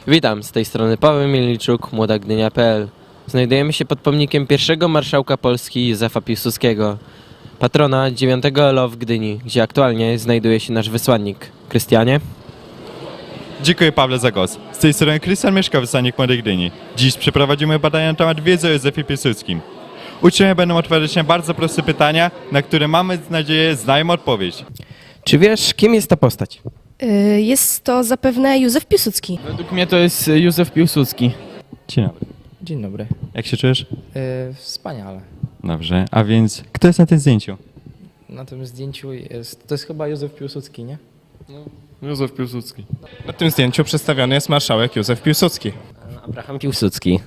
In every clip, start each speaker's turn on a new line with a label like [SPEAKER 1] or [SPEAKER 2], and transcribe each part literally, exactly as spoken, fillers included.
[SPEAKER 1] Witam, z tej strony Paweł Mielniczuk, Młoda Gdynia kropka p l. Znajdujemy się pod pomnikiem pierwszego marszałka Polski Józefa Piłsudskiego, patrona dziewiątego L O w Gdyni, gdzie aktualnie znajduje się nasz wysłannik. Krystianie?
[SPEAKER 2] Dziękuję, Pawle, za głos. Z tej strony Krystian Mieszka, wysłannik Młodej Gdyni. Dziś przeprowadzimy badania na temat wiedzy o Józefie Piłsudskim. Uczniowie będą odpowiadać na bardzo proste pytania, na które mamy nadzieję znają odpowiedź.
[SPEAKER 1] Czy wiesz, kim jest ta postać?
[SPEAKER 3] Y, Jest to zapewne Józef Piłsudski.
[SPEAKER 4] Według mnie to jest Józef Piłsudski.
[SPEAKER 2] Dzień dobry.
[SPEAKER 5] Dzień dobry.
[SPEAKER 2] Jak się czujesz?
[SPEAKER 5] Yy, wspaniale.
[SPEAKER 2] Dobrze, a więc kto jest na tym zdjęciu?
[SPEAKER 5] Na tym zdjęciu jest, to jest chyba Józef Piłsudski, nie?
[SPEAKER 4] Józef Piłsudski. Na tym zdjęciu przedstawiony jest marszałek Józef Piłsudski.
[SPEAKER 1] Abraham Piłsudski.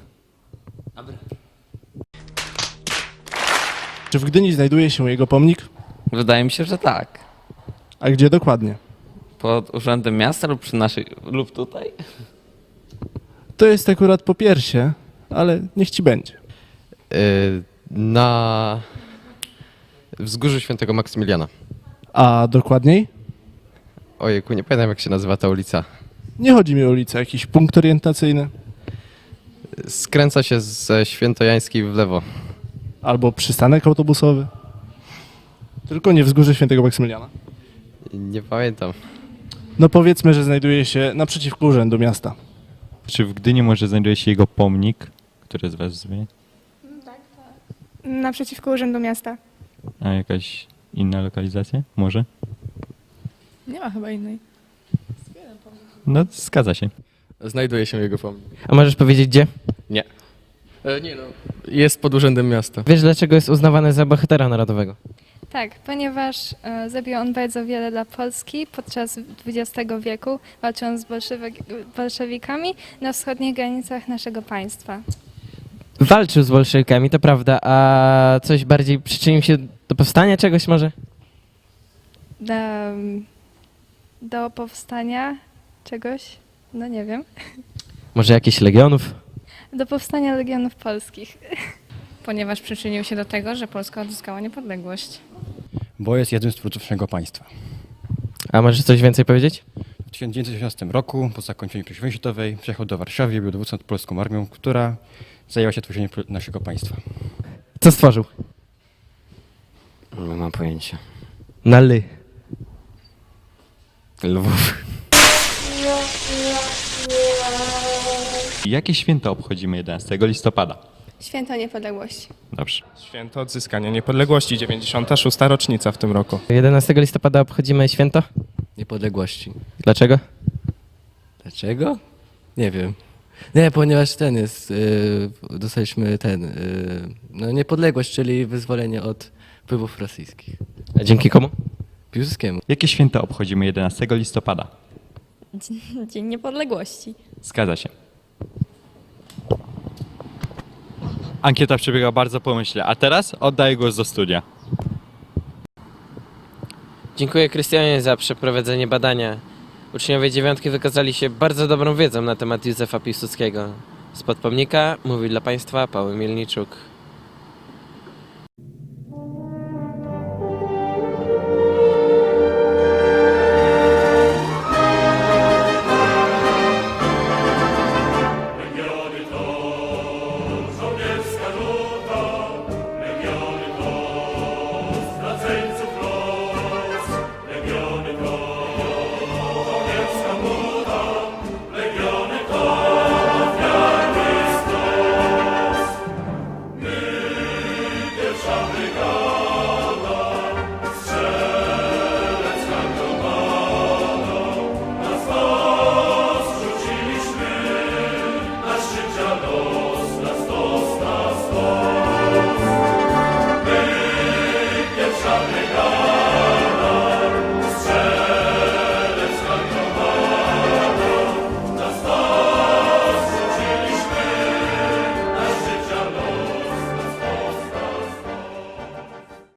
[SPEAKER 6] Czy w Gdyni znajduje się jego pomnik?
[SPEAKER 7] Wydaje mi się, że tak.
[SPEAKER 6] A gdzie dokładnie?
[SPEAKER 7] Pod urzędem miasta lub przy naszej, lub tutaj?
[SPEAKER 6] To jest akurat po piersie, ale niech ci będzie.
[SPEAKER 8] Yy, na wzgórzu Świętego Maksymiliana.
[SPEAKER 6] A dokładniej?
[SPEAKER 8] Ojejku, nie pamiętam jak się nazywa ta ulica.
[SPEAKER 6] Nie chodzi mi o ulicę, jakiś punkt orientacyjny.
[SPEAKER 8] Skręca się ze Świętojańskiej w lewo.
[SPEAKER 6] Albo przystanek autobusowy. Tylko nie wzgórze Świętego Maksymiliana.
[SPEAKER 8] Nie pamiętam.
[SPEAKER 6] No powiedzmy, że znajduje się naprzeciwko urzędu miasta.
[SPEAKER 2] Czy w Gdyni może znajduje się jego pomnik, który z was zmieni?
[SPEAKER 9] Naprzeciwko Urzędu Miasta.
[SPEAKER 2] A jakaś inna lokalizacja? Może?
[SPEAKER 9] Nie ma chyba innej.
[SPEAKER 2] No, zgadza się.
[SPEAKER 8] Znajduje się jego pomnik.
[SPEAKER 1] A możesz powiedzieć gdzie?
[SPEAKER 8] Nie. E, nie no, jest pod urzędem miasta.
[SPEAKER 1] Wiesz, dlaczego jest uznawany za bohatera narodowego?
[SPEAKER 9] Tak, ponieważ e, zrobił on bardzo wiele dla Polski podczas dwudziestego wieku, walcząc z bolszewik- bolszewikami na wschodnich granicach naszego państwa.
[SPEAKER 1] Walczył z bolszewikami, to prawda, a coś bardziej przyczynił się do powstania czegoś może?
[SPEAKER 9] Do, do powstania czegoś, no nie wiem,
[SPEAKER 1] Może jakichś legionów?
[SPEAKER 9] do powstania Legionów Polskich.
[SPEAKER 10] Ponieważ przyczynił się do tego, że Polska odzyskała niepodległość.
[SPEAKER 11] Bo jest jednym z twórców naszego państwa.
[SPEAKER 1] A możesz coś więcej powiedzieć?
[SPEAKER 11] W tysiąc dziewięćset osiemnastym roku, po zakończeniu pierwszej wojny światowej, przyjechał do Warszawy i był dowódcą nad polską armią, która zajęła się tworzeniem naszego państwa.
[SPEAKER 1] Co stworzył?
[SPEAKER 8] Nie mam pojęcia.
[SPEAKER 1] Na ly.
[SPEAKER 8] Lwów.
[SPEAKER 2] Jakie święto obchodzimy jedenastego listopada?
[SPEAKER 9] Święto Niepodległości.
[SPEAKER 2] Dobrze.
[SPEAKER 4] Święto odzyskania niepodległości, dziewięćdziesiąta szósta rocznica w tym roku.
[SPEAKER 1] jedenastego listopada obchodzimy święto?
[SPEAKER 7] Niepodległości.
[SPEAKER 1] Dlaczego?
[SPEAKER 7] Dlaczego? Nie wiem. Nie, ponieważ ten jest, yy, dostaliśmy ten, yy, no niepodległość, czyli wyzwolenie od wpływów rosyjskich.
[SPEAKER 1] A dzięki komu?
[SPEAKER 7] Piłsudskiemu.
[SPEAKER 2] Jakie święto obchodzimy jedenastego listopada?
[SPEAKER 10] Dzień Niepodległości.
[SPEAKER 2] Zgadza się. Ankieta przebiega bardzo pomyślnie, a teraz oddaję głos do studia.
[SPEAKER 1] Dziękuję Krystianie za przeprowadzenie badania. Uczniowie dziewiątki wykazali się bardzo dobrą wiedzą na temat Józefa Piłsudskiego. Spod pomnika mówił dla Państwa Paweł Mielniczuk.